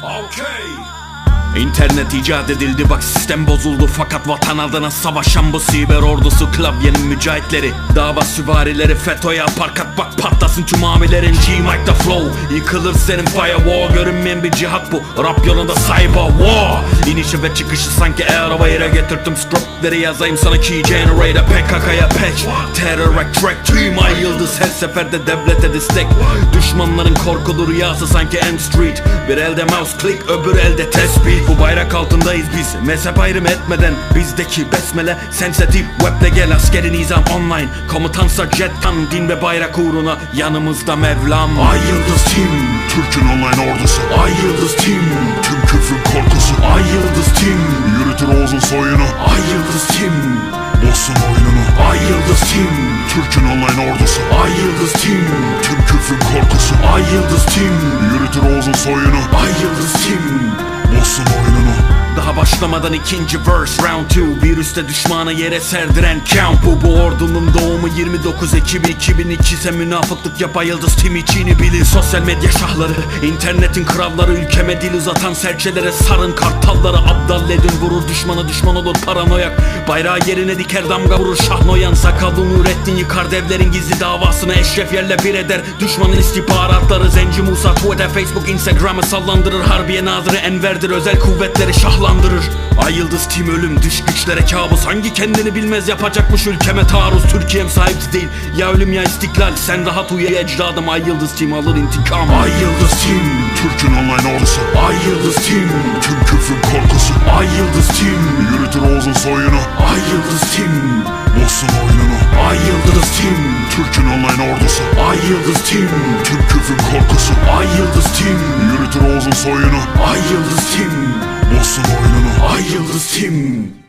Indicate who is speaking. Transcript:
Speaker 1: İnternet icat edildi, bak sistem bozuldu. Fakat vatan adına savaşan bu siber ordusu, klavyenin mücahitleri, dava süvarileri FETÖ'ye parkat, bak patlasın tüm amilerin. G-Mike'da flow, yıkılır senin firewall. Görünmeyen bir cihat bu, rap yolunda cyber war. İnişi ve çıkışı sanki araba yere getirdim. Scriptleri yazayım sana key generator. PKK'ya patch, terror track. Tüm ay yıldız her seferde devlete destek. Düşmanların korkulu rüyası sanki M Street. Bir elde mouse click, öbür elde tespih. Bu bayrak altındayız biz, mezhep ayrım etmeden. Bizdeki besmele sensitif, weble gel askeri nizam online. Komutansa jettan, din ve bayrak uğruna yanımızda Mevlam.
Speaker 2: Ay Yıldız Team, Türk'ün online ordusu.
Speaker 1: Ay Yıldız Team,
Speaker 2: tüm küfrün korkusu.
Speaker 1: Ay Yıldız Team,
Speaker 2: yürütür Oğuz'un soyunu.
Speaker 1: Ay Yıldız Team,
Speaker 2: bozsun oyununu.
Speaker 1: Ay Yıldız Team,
Speaker 2: Türk'ün online ordusu.
Speaker 1: Ay Yıldız Team,
Speaker 2: tüm küfrün korkusu.
Speaker 1: Ay Yıldız Team,
Speaker 2: yürütür Oğuz'un soyunu.
Speaker 1: Ay Yıldız Team,
Speaker 2: bozsun oyununu.
Speaker 1: daha başlamadan ikinci verse round 2. Virüste düşmanı yere serdiren count bu. Bu ordunun doğumu 29 Ekim 2002 ise münafıklık yap Ay Yıldız Team içini bilir. Sosyal medya şahları, internetin kralları, ülkeme dil uzatan serçelere sarın kartalları. Abdal edin vurur düşmana, düşman olur paranoyak. Bayrağı yerine diker damga vurur Şahnoyan. Sakallı Nurettin yıkar devlerin gizli davasını. Eşref yerle bir eder düşmanın istihbaratları. Zenci Musa Twitter, Facebook, Instagram'ı sallandırır. Harbiye Nazırı Enver'dir, özel kuvvetleri şahlandırır. Ay Yıldız Team ölüm, dış güçlere kabus. Hangi kendini bilmez yapacakmış ülkeme taarruz. Türkiye'm sahipsiz değil, ya ölüm ya istiklal. Sen rahat uyu ecdadım, Ay Yıldız Team alır intikam. Ay Yıldız Team,
Speaker 2: Türk'ün online ordusu.
Speaker 1: Ay Yıldız Team,
Speaker 2: tüm küfrün korkusu.
Speaker 1: Ay Yıldız Team,
Speaker 2: yürütür Oğuz'un soyunu.
Speaker 1: Ay Yıldız Team,
Speaker 2: bozsun oyununu.
Speaker 1: Ay Yıldız Team,
Speaker 2: Türk'ün online ordusu.
Speaker 1: Ay Yıldız Team,
Speaker 2: tüm küfrün korkusu.
Speaker 1: Ay Yıldız Team,
Speaker 2: yürütür Oğuz'un soyunu.
Speaker 1: Ay Yıldız Team,
Speaker 2: bozsun oyununu.
Speaker 1: Ay Yıldız Team.